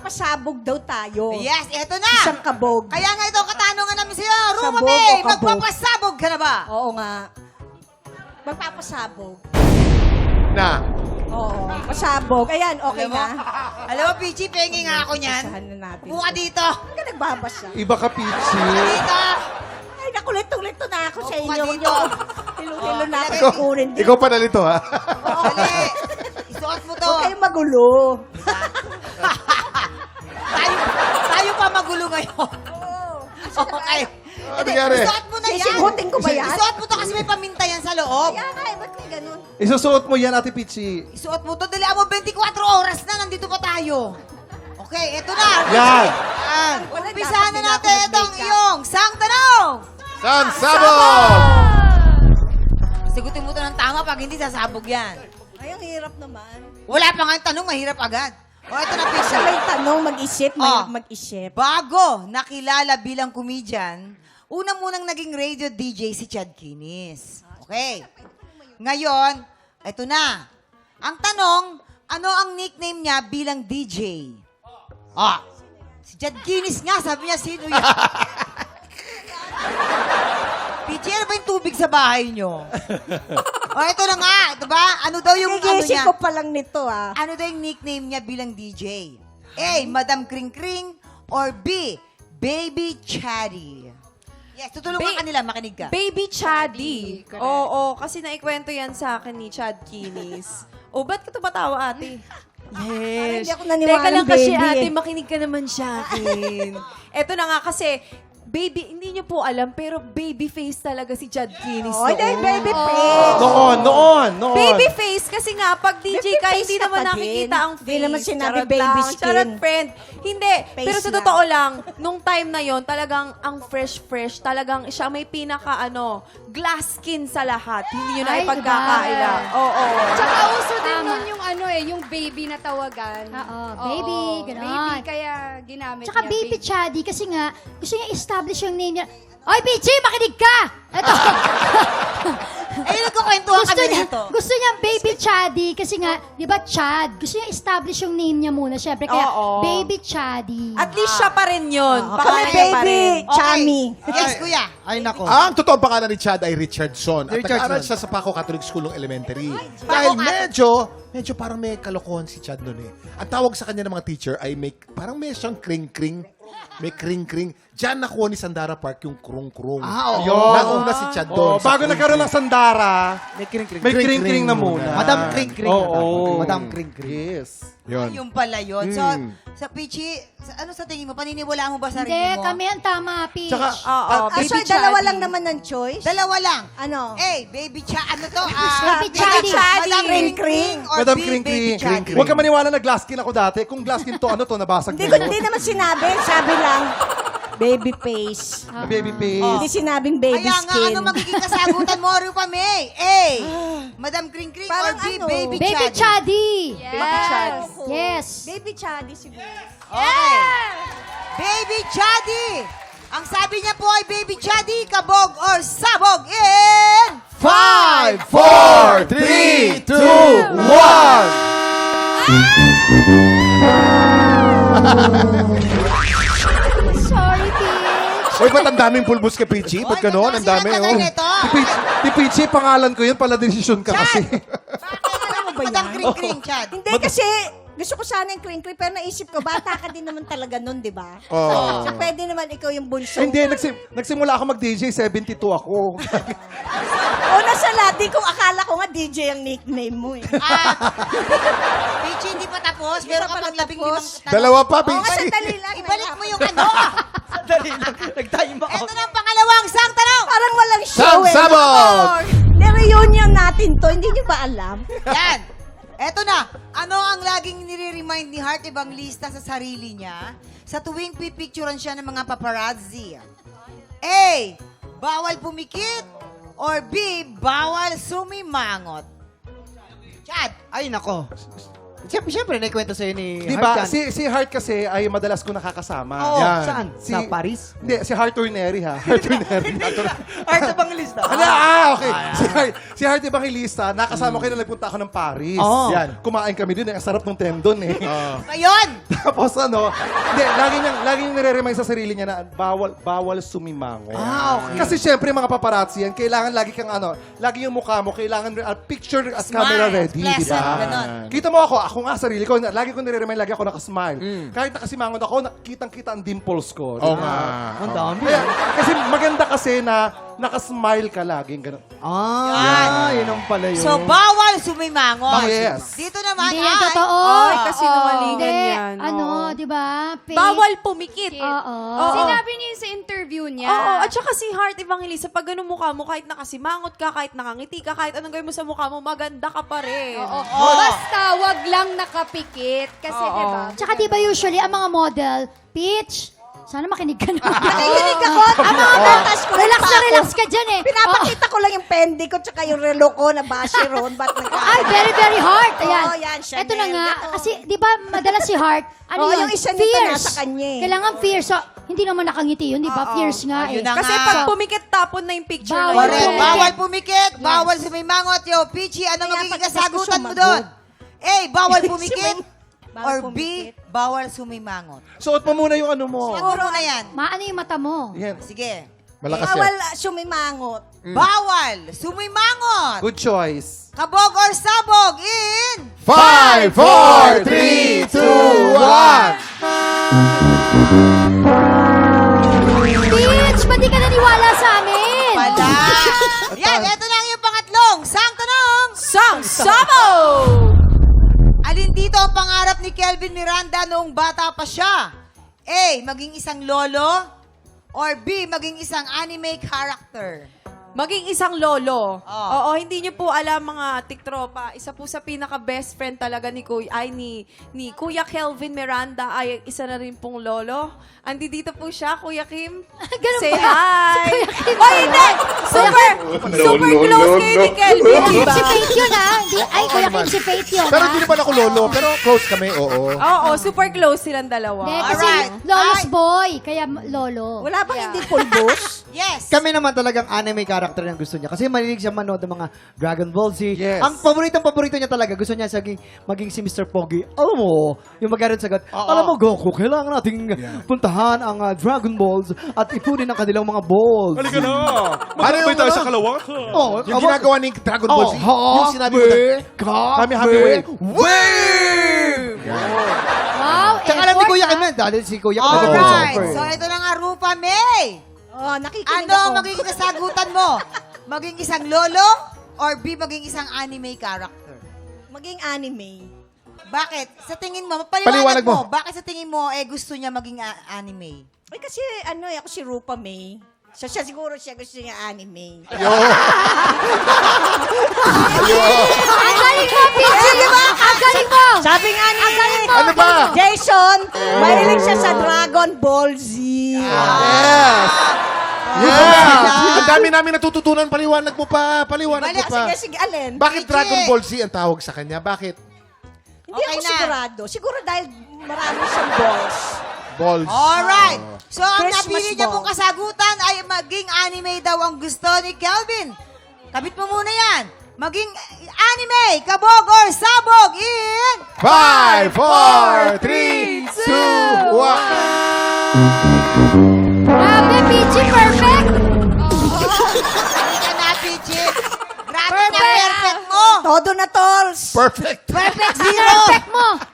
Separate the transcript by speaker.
Speaker 1: magpapasabog daw tayo.
Speaker 2: Yes, eto na.
Speaker 1: Isang kabog.
Speaker 2: Kaya nga ito ang katanungan namin sa'yo. Ruma
Speaker 1: Sabog
Speaker 2: May,
Speaker 1: o kabog?
Speaker 2: magpapasabog ka na ba?
Speaker 1: Oo nga. Magpapasabog.
Speaker 3: Na.
Speaker 1: Oo, pasabog. Ayan, okay
Speaker 2: Alam mo,
Speaker 1: na.
Speaker 2: Alam mo, Pichi, pengi nga ako niyan.
Speaker 1: Basahan na natin.
Speaker 2: Buka dito.
Speaker 1: Huwag ka nagbabasa.
Speaker 3: Iba ka, Pichi.
Speaker 2: Buka dito.
Speaker 1: Ay, nakulito-lito na ako sa
Speaker 2: Upo ka
Speaker 1: inyo.
Speaker 2: dito.
Speaker 1: Hilo-hilo na ako
Speaker 2: Ikaw-
Speaker 1: sa kurin.
Speaker 3: Ikaw pa nalito, ha?
Speaker 2: Dali. Isuot mo to.
Speaker 1: Huwag kayong magulo.
Speaker 2: Tayo pa magulo ngayon. Okay.
Speaker 3: Ano nangyari?
Speaker 2: Isuot mo na yan.
Speaker 1: Sisigutin ko ba yan?
Speaker 2: Isuot mo to kasi may paminta yan sa loob.
Speaker 1: Kaya nga, ba't may ganun?
Speaker 3: Isusuot mo yan, Ate Pichi.
Speaker 2: Isuot mo to. Dali mo 24 oras na. Nandito pa tayo. Okay, eto na.
Speaker 3: Yan.
Speaker 2: Yan.
Speaker 1: Wala,
Speaker 2: Umpisahan na
Speaker 1: dapat
Speaker 2: natin
Speaker 1: din ako
Speaker 2: itong
Speaker 1: mag-makeup.
Speaker 2: iyong sang tanong.
Speaker 3: San Sabog!
Speaker 2: Sigutin mo to ng tama pag hindi sasabog yan.
Speaker 1: Ay, ang hirap naman.
Speaker 2: Wala pa nga yung tanong, mahirap agad. O, ito na,
Speaker 1: Kasi
Speaker 2: Pisha.
Speaker 1: may tanong, mag-isip,
Speaker 2: Oh.
Speaker 1: mag-isip.
Speaker 2: Bago nakilala bilang comedian, una munang naging radio DJ si Chad Kinis. Okay. Ngayon, ito na. Ang tanong, ano ang nickname niya bilang DJ? Si Chad Kinis nga, sabi niya, sino yan? PJ, ano ba yung tubig sa bahay niyo? Ito na nga, ito ba? Ano daw yung ano
Speaker 1: Nag-iisip
Speaker 2: niya?
Speaker 1: ko pa lang nito, ah.
Speaker 2: Ano daw yung nickname niya bilang DJ? A. Madam Kring Kring or B. Baby Chatty? Yes, tutulungan ka nila, makinig ka.
Speaker 4: Baby Chaddy. Oo, kasi naikwento yan sa akin ni Chad Kinis. O, ba't ka tumatawa, ate?
Speaker 1: Parang
Speaker 4: Yes.
Speaker 1: hindi ako naniwala
Speaker 4: Teka lang
Speaker 1: ng
Speaker 4: kasi,
Speaker 1: baby,
Speaker 4: ate,
Speaker 1: eh.
Speaker 4: makinig ka naman sa akin. Eto na nga kasi, baby, hindi niyo po alam, pero baby face talaga si Chad Kinis
Speaker 1: Oh, dahil
Speaker 4: noon.
Speaker 1: baby face.
Speaker 3: Noon.
Speaker 4: Baby face kasi nga, pag DJ
Speaker 1: Baby
Speaker 4: ka,
Speaker 1: face
Speaker 4: hindi
Speaker 1: ka
Speaker 4: naman
Speaker 1: pa
Speaker 4: nakikita
Speaker 1: din.
Speaker 4: ang face.
Speaker 1: Hindi naman sinabi
Speaker 4: Charot
Speaker 1: baby
Speaker 4: lang,
Speaker 1: skin.
Speaker 4: Charot friend. Hindi.
Speaker 1: Face
Speaker 4: Pero sa
Speaker 1: lang.
Speaker 4: totoo lang, nung time na yon talagang ang fresh, talagang siya may pinaka, glass skin sa lahat. Hindi nyo na
Speaker 5: Ay,
Speaker 4: ipagkakaila.
Speaker 5: iba.
Speaker 4: Oo.
Speaker 5: Tsaka uso din nun yung yung baby na tawagan.
Speaker 6: Oo, baby, ganon.
Speaker 5: Baby, kaya ginamit
Speaker 6: Tsaka
Speaker 5: niya.
Speaker 6: baby Chaddy kasi nga, gusto niya establish yung name niya. Oy, Pichi, makinig ka! Ito.
Speaker 2: Ayun, nagkukwentuhan
Speaker 6: gusto
Speaker 2: kami
Speaker 6: niya,
Speaker 2: nito.
Speaker 6: gusto niya baby Chaddy kasi nga, di ba Chad? Gusto niya establish yung name niya muna, syempre. Kaya
Speaker 4: Oo.
Speaker 6: baby Chaddy.
Speaker 4: At least siya pa rin yun.
Speaker 1: Kami
Speaker 4: Pangalan niya pa
Speaker 1: baby,
Speaker 4: rin.
Speaker 1: chummy.
Speaker 2: Yes, kuya.
Speaker 7: Ay, nako.
Speaker 3: Ang totoong pangalan ni Chad ay Richardson. At
Speaker 7: Richardson.
Speaker 3: nag-aaral siya sa Paco Catholic School ng elementary. Dahil medyo parang may kalokohan si Chad noon eh. Ang tawag sa kanya ng mga teacher ay parang may siyang kring-kring. May kring-kring. Diyan nakuha ni Sandara Park yung krung-krung.
Speaker 7: Ah, oo.
Speaker 3: Yun. Nauna si Chad doon.
Speaker 8: Oh, bago nagkaroon ng Sandara,
Speaker 7: May kring-kring.
Speaker 8: may kring-kring na muna.
Speaker 7: Madam Kring-Kring.
Speaker 8: Oo.
Speaker 7: Madam Kring-Kring.
Speaker 3: Yes. Yun.
Speaker 2: Yung pala yun. So, sa Pichi, ano sa tingin mo? Paniniwalaan mo ba sarili
Speaker 6: Hindi,
Speaker 2: mo?
Speaker 6: kami ang tama, Peach.
Speaker 3: Tsaka,
Speaker 4: Oo,
Speaker 1: Ah,
Speaker 4: baby
Speaker 1: so, dalawa
Speaker 4: Chaddy.
Speaker 1: lang naman ng choice?
Speaker 2: Dalawa lang.
Speaker 1: Ano?
Speaker 2: A. Baby Ano to?
Speaker 6: Baby Chaddy.
Speaker 2: Madam Kring Kring or
Speaker 3: Madam
Speaker 2: B.
Speaker 3: Kring
Speaker 2: Baby
Speaker 3: Kring.
Speaker 2: Chaddy?
Speaker 8: Huwag ka maniwala na glass skin ako dati. Kung glass skin to, ano to, nabasag
Speaker 1: Hindi
Speaker 8: na
Speaker 1: ko,
Speaker 8: yun.
Speaker 1: hindi naman sinabi. Sabi lang, baby face.
Speaker 8: Baby face.
Speaker 1: Hindi sinabing baby
Speaker 2: Kaya nga,
Speaker 1: skin.
Speaker 2: ano magiging kasagutan mo, Rupa May? A. Madam Kring Kring or
Speaker 1: Parang
Speaker 2: B.
Speaker 1: ano?
Speaker 2: Baby
Speaker 6: Baby
Speaker 2: Chaddy?
Speaker 6: Chaddy.
Speaker 4: Baby Chad.
Speaker 6: Yes.
Speaker 1: Baby Chaddy siguro.
Speaker 2: Okay. Baby Chaddy. Ang sabi niya po ay Baby Chaddy, kabog or sabog in...
Speaker 3: 5, 4, 3, 2, 1.
Speaker 6: Sorry, Peach.
Speaker 3: Uy, ba't ang daming pulbos kay Pichi? Ba't
Speaker 2: Oy,
Speaker 3: gano'n? Ang dami,
Speaker 2: sinatagal
Speaker 3: oh.
Speaker 2: nito.
Speaker 8: Ti Pichi, pangalan ko yun, pala desisyon ka kasi.
Speaker 2: Bakit
Speaker 1: mo ba
Speaker 2: Madam
Speaker 1: yan?
Speaker 2: Kring Kring, Chad?
Speaker 1: Hindi kasi, gusto ko sana yung crinkly, pero naisip ko, bata ka din naman talaga nun, di ba?
Speaker 3: Oo.
Speaker 1: So, pwede naman ikaw yung bunso.
Speaker 8: Hindi, nagsimula ako mag-DJ, 72 ako.
Speaker 1: Una sa lahat, di ko akala ko nga DJ ang nickname mo eh.
Speaker 2: Pichi, hindi pa tapos.
Speaker 1: Hindi
Speaker 2: Meron
Speaker 1: pa
Speaker 2: ka
Speaker 1: pala
Speaker 2: pang labing
Speaker 1: tapos.
Speaker 2: limang tanong.
Speaker 3: Dalawa pa,
Speaker 1: Oo nga,
Speaker 3: Pichi.
Speaker 1: sandali lang.
Speaker 2: Ibalik mo yung ano.
Speaker 7: Dali lang. Nag-time ako.
Speaker 2: Ito na ang pangalawang sang tanong.
Speaker 1: Parang walang show
Speaker 3: Sang
Speaker 1: eh.
Speaker 3: sabog!
Speaker 1: Na-reunion natin to, hindi nyo ba alam?
Speaker 2: Yan. Eto na. Ano ang laging nire-remind ni Heart Evangelista sa sarili niya sa tuwing pipicturean siya ng mga paparazzi? A. Bawal pumikit. Or B. Bawal sumimangot. Chad.
Speaker 7: Ay, nako. Siyempre, naikwento sa'yo ni
Speaker 8: Di ba?
Speaker 7: Heart yan.
Speaker 8: Si Heart kasi ay madalas ko nakakasama.
Speaker 2: Oo.
Speaker 3: Yan.
Speaker 7: Saan?
Speaker 8: Si-
Speaker 7: Sa Paris?
Speaker 8: Hindi, si Heart Turneri ha. Heart Turneri.
Speaker 7: Heart Evangelista.
Speaker 8: Okay. Si Heart Evangelista, nakasama ko na nagpunta ako ng Paris.
Speaker 7: Oo.
Speaker 3: Yan.
Speaker 8: Kumain kami dun. Ang sarap ng tendon eh.
Speaker 2: Ngayon,
Speaker 8: Tapos hindi, lagi niyang nire-remind sa sarili niya na bawal sumimango.
Speaker 2: okay.
Speaker 8: Kasi syempre mga paparazzi yan, kailangan lagi kang lagi yung mukha mo, kailangan picture at
Speaker 2: Smile,
Speaker 8: camera ready, di
Speaker 2: pleasant,
Speaker 8: ba?
Speaker 2: ganon.
Speaker 8: Kita mo ako nga sarili ko, lagi ko nire-remind, lagi ako nakasmile. Kahit nakasimangon ako, kitang-kita ang dimples ko. di
Speaker 3: Oo
Speaker 8: ba?
Speaker 3: nga.
Speaker 7: Ang dami.
Speaker 8: Kaya, kasi maganda kasi na nakasmile ka laging ganun.
Speaker 7: Yun ang pala yun.
Speaker 2: so bawal sumimangot.
Speaker 8: Yes.
Speaker 2: Dito naman,
Speaker 6: Hindi yan totoo.
Speaker 4: Ay, kasi nawalingan
Speaker 6: Hindi.
Speaker 4: yan.
Speaker 6: Ano,
Speaker 4: Oo.
Speaker 6: di ba? Fake.
Speaker 4: Bawal pumikit.
Speaker 6: Oo.
Speaker 5: Sinabi niya yun sa interview niya.
Speaker 4: Oo, at saka si Heart Evangelista, pag ganun mukha mo, kahit nakasimangot ka, kahit nakangiti ka, kahit anong gawin mo sa mukha mo, maganda ka pa rin.
Speaker 5: Oo. Basta wag lang nakapikit. Kasi,
Speaker 4: Oo.
Speaker 5: di ba?
Speaker 6: Tsaka di ba usually ang mga model, Peach, sana makinig ka na.
Speaker 1: Nakikinig ako. Ang mga natas ko.
Speaker 6: Relax
Speaker 1: pa
Speaker 6: na
Speaker 1: ako.
Speaker 6: relax ka dyan eh.
Speaker 1: Pinapakita ko lang yung pendi ko tsaka yung relo ko na bashi ron. Ba't
Speaker 6: Ay, very, very hard. Ayan.
Speaker 1: Oo, yan, Chanel.
Speaker 6: Ito na nga.
Speaker 1: Ito.
Speaker 6: Kasi, di ba, madalas si Heart, ano
Speaker 1: Oo,
Speaker 6: yun?
Speaker 1: yung isa nito
Speaker 6: Fierce.
Speaker 1: nasa kanya eh.
Speaker 6: Kailangan fierce. So, hindi naman nakangiti yun, di ba? Fierce nga eh.
Speaker 2: Ayun na
Speaker 4: Kasi
Speaker 2: nga.
Speaker 4: pag pumikit, tapon na yung picture na
Speaker 6: Bawal
Speaker 4: yun.
Speaker 2: Correct.
Speaker 6: pumikit.
Speaker 2: Bawal pumikit, bawal sumimangot. Yo, Pichi, ano
Speaker 1: Kaya
Speaker 2: magiging
Speaker 1: pag
Speaker 2: kasagutan mo
Speaker 1: sumagot.
Speaker 2: doon? A, bawal pumikit.
Speaker 1: Bawal
Speaker 2: Or B,
Speaker 1: pumikit.
Speaker 2: bawal sumimangot.
Speaker 8: Suot mo muna yung ano mo.
Speaker 2: Siguro na yan.
Speaker 6: Maano yung mata mo?
Speaker 8: Yan.
Speaker 2: Sige.
Speaker 3: Malakas
Speaker 1: Bawal
Speaker 3: yan.
Speaker 1: sumimangot.
Speaker 2: Bawal sumimangot.
Speaker 8: Good choice.
Speaker 2: Kabog or sabog in...
Speaker 3: 5, 4, 3, 2, 1.
Speaker 6: Peach, ba't di ka naniwala sa amin?
Speaker 2: Pala. Yan, eto na ang iyong pangatlong. Sang tanong.
Speaker 4: Sang Sabo!
Speaker 2: Alin dito ang pangarap ni Kelvin Miranda noong bata pa siya? A, maging isang lolo. Or B, maging isang anime character.
Speaker 4: Maging isang lolo.
Speaker 2: Oh.
Speaker 4: Oo, hindi niyo po alam mga tiktropa. Isa po sa pinaka-best friend talaga ni Kuya Kelvin Miranda ay isa na rin pong lolo. Andi dito po siya, Kuya Kim.
Speaker 6: Ganun
Speaker 4: Say
Speaker 6: ba?
Speaker 4: hi!
Speaker 6: Si Kuya Kim
Speaker 4: Oh, hindi! Super close kayo ni Kelvin, di ba?
Speaker 6: Si Faith yun ah. Ay, Kuya Kim, si Faith yun
Speaker 3: Pero
Speaker 6: ah.
Speaker 3: hindi naman ako lolo, pero close kami, oo.
Speaker 4: Oo, super close silang dalawa.
Speaker 6: Hindi, kasi
Speaker 2: Alright.
Speaker 6: Lolo's boy, kaya lolo.
Speaker 1: Wala bang hindi pulbos?
Speaker 2: Yes.
Speaker 7: Kami naman talagang anime character yung gusto niya. Kasi malinig siya manood ng mga Dragon Ball Z.
Speaker 8: Yes.
Speaker 7: Ang paborito niya talaga. Gusto niya maging si Mr. Pogi. Alam mo, yung magkaroon sagot, alam mo, Goku, kailangan nating puntahan ang Dragon Balls at ipunin ang kanilang mga balls.
Speaker 8: Halika na.
Speaker 3: Ano yung
Speaker 8: tayo
Speaker 3: ano?
Speaker 8: sa kalawang?
Speaker 7: Oh,
Speaker 3: Yung ginagawa ni Dragon Ball Z, yung sinabi mo na,
Speaker 8: Kami wave.
Speaker 7: Wave!
Speaker 6: Wow,
Speaker 7: Tsaka alam ni
Speaker 6: effort,
Speaker 7: Kuya
Speaker 6: ah.
Speaker 7: Kim yan, dahil si Kuya Kim
Speaker 2: Alright.
Speaker 7: nag-voiceover.
Speaker 2: So, ito na nga, Rupa May.
Speaker 1: Oh, nakikinig
Speaker 2: Ano
Speaker 1: ako.
Speaker 2: ang magiging kasagutan mo? Maging isang lolo? Or B, maging isang anime character?
Speaker 1: Maging anime.
Speaker 2: Bakit? Sa tingin mo,
Speaker 3: Paliwanag
Speaker 2: paliwanag mo.
Speaker 3: mo.
Speaker 2: Bakit sa tingin mo, gusto niya maging anime?
Speaker 1: Ay, kasi ako si Rupa May. So, siguro siya gusto niya anime.
Speaker 6: Ang galing mo, Peachy! Ang galing mo!
Speaker 1: Sabi nga ni
Speaker 3: Ano ba?
Speaker 1: Jason, mahilig siya sa Dragon Ball Z.
Speaker 3: Yes! Yeah! Ang dami namin natututunan, paliwanag mo pa, paliwanag mo pa.
Speaker 1: Sige, alin?
Speaker 3: Bakit
Speaker 2: Sige.
Speaker 3: Dragon Ball Z ang tawag sa kanya? Bakit?
Speaker 1: Hindi
Speaker 2: Okay
Speaker 1: ako
Speaker 2: na.
Speaker 1: sigurado. Siguro dahil marami siyang balls.
Speaker 3: Balls.
Speaker 2: Alright. So, ang
Speaker 1: Christmas
Speaker 2: napili niya
Speaker 1: ball.
Speaker 2: pong kasagutan ay maging anime daw ang gusto ni Kelvin. Kabit mo muna yan. Maging anime, kabog or sabog in...
Speaker 3: 5, 4, 3, 2, 1.
Speaker 6: Grabe, Peachy, perfect!
Speaker 2: Hindi ka na, Pichi. Grabe na, perfect mo.
Speaker 1: Todo na, tolls.
Speaker 3: Perfect.
Speaker 2: Perfect zero.
Speaker 6: Perfect mo!